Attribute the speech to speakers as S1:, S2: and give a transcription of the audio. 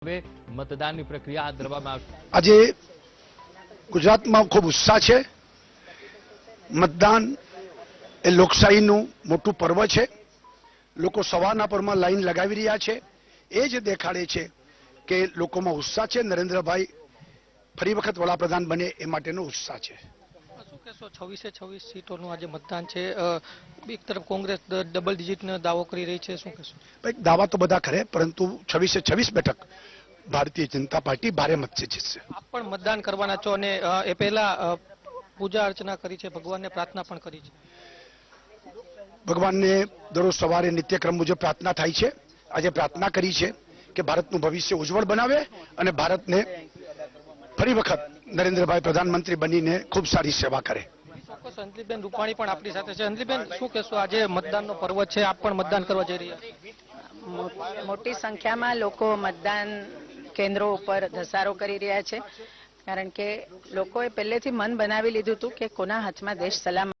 S1: હવે મતદાનની પ્રક્રિયા હાથ ધરવામાં આવશે।
S2: આજે ગુજરાતમાં ખૂબ ઉત્સાહ છે। મતદાન એ લોકશાહીનું મોટું પર્વ છે। લોકો સવારના પરમાં લાઈન લગાવી રહ્યા છે। એ જ દેખાડે છે કે લોકોમાં ઉત્સાહ છે। નરેન્દ્રભાઈ ફરી વખત વડાપ્રધાન બને એ માટેનો ઉત્સાહ છે।
S3: શું કહેશો 26 સીટોનું આજે મતદાન છે, એક તરફ કોંગ્રેસ ડબલ ડિજિટનો દાવો કરી રહી છે, શું કહેશો?
S2: દાવા તો બધા કરે, પરંતુ 26 બેઠક ભારતીય જનતા પાર્ટી ભારે મતથી જીતશે।
S3: આપ પણ મતદાન કરવાના છો અને એ પહેલા પૂજા અર્ચના કરી છે, ભગવાનને પ્રાર્થના પણ કરી છે।
S2: ભગવાનને દરરોજ સવારે નિત્યક્રમ મુજબ પ્રાર્થના થાય છે। આજે પ્રાર્થના કરી છે કે ભારતનું ભવિષ્ય ઉજ્જવળ બનાવે અને ભારતને ફરી વખત નરેન્દ્રભાઈ પ્રધાનમંત્રી બનીને ખૂબ સારી સેવા કરે।
S3: ચોક્કસ અંજલિબેન રૂપાણી પણ આપણી સાથે છે। અંજલિબેન, શું કહેશો? આજે મતદાનનો પર્વ છે, આપ પણ મતદાન કરવા જઈ રહ્યા છો।
S4: મોટી સંખ્યામાં લોકો મતદાન કેન્દ્રો ઉપર ધસારો કરી રહ્યા છે, કારણ કે લોકોએ પહેલેથી મન બનાવી લીધું હતું કે કોના હાથમાં દેશ સલામત